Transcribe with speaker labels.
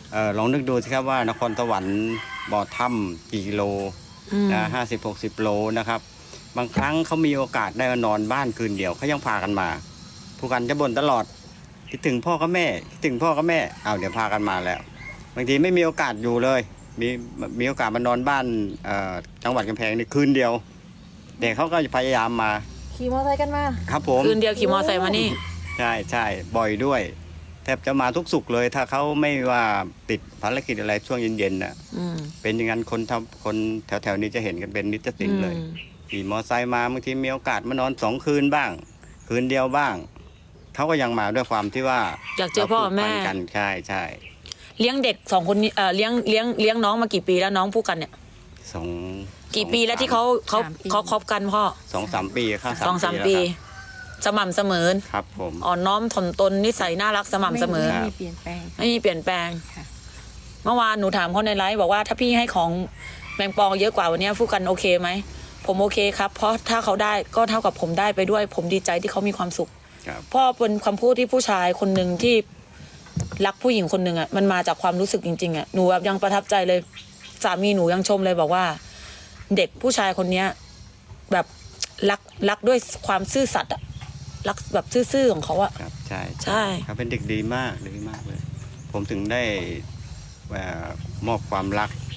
Speaker 1: ลองนึกดูสิครับว่านครสวรรค์บ่อถ้ำกี่กิโลนะ50-60 โลนะครับบางครั้งเขามีโอกาสได้มานอนบ้านคืนเดียวเขายังพากันมาผู้กันจะบ่นตลอดคิดถึงพ่อกับแม่คิดถึงพ่อกับแม่เอาเดี๋ยวพากันมาแล้วบางทีไม่มีโอกาสอยู่เลยมีโอกาสมานอนบ้านจังหวัดกำแพงนี่คืนเดียวเด็กเขาก็พยายามมา
Speaker 2: ขี่มอเตอร์ไซค์กันมา
Speaker 1: ครับผม
Speaker 3: คืนเดียวขี่มอเตอร์ไซค์มานี่
Speaker 1: ใช่บ่อยด้วยแทบจะมาทุกสุขเลยถ้าเขาไม่ว่าติดภารกิจอะไรช่วงเย็นๆน่ะเป็นอย่างนั้นคนแถวๆนี้จะเห็นกันเป็นนิจติงเลยขี่มอไซค์มาบางทีมีโอกาสมานอน2 คืนบ้างคืนเดียวบ้างเขาก็ยังมาด้วยความที่ว่า
Speaker 3: อยากเจอพ่อแม่
Speaker 1: กันใช่
Speaker 3: เลี้ยงเด็ก2 คนนี้เลี้ยงน้องมากี่ปีแล้วน้องผู้กันเนี่ยกี่ปีแล้วที่เขาคบกันพ่อ
Speaker 1: 2-3 ปีครับ
Speaker 3: 2-3 ปีสม่ำเสมอ
Speaker 1: ครับผม
Speaker 3: อ่อนน้อมถ่อมตนนิสัยน่ารักสม่ำเสมอ
Speaker 2: ไม่มีเปลี่ยนแปลง
Speaker 3: เมื่อวานหนูถามเขาในไลฟ์บอกว่าถ้าพี่ให้ของแมงปองเยอะกว่าวันนี้ผู้กันโอเคไหมผมโอเคครับเพราะถ้าเขาได้ก็เท่ากับผมได้ไปด้วยผมดีใจที่เขามีความสุขพ่อเป็นคำพูดที่ผู้ชายคนหนึ่งที่รักผู้หญิงคนหนึ่งอ่ะมันมาจากความรู้สึกจริงๆอ่ะหนูแบบยังประทับใจเลยสามีหนูยังชมเลยบอกว่าเด็กผู้ชายคนนี้แบบรักด้วยความซื่อสัตย์อ่ะรักแบบซื่อๆของเขาอ่ะ
Speaker 1: ครับใช่เขาเป็นเด็กดีมากเลยผมถึงได้มอบความรัก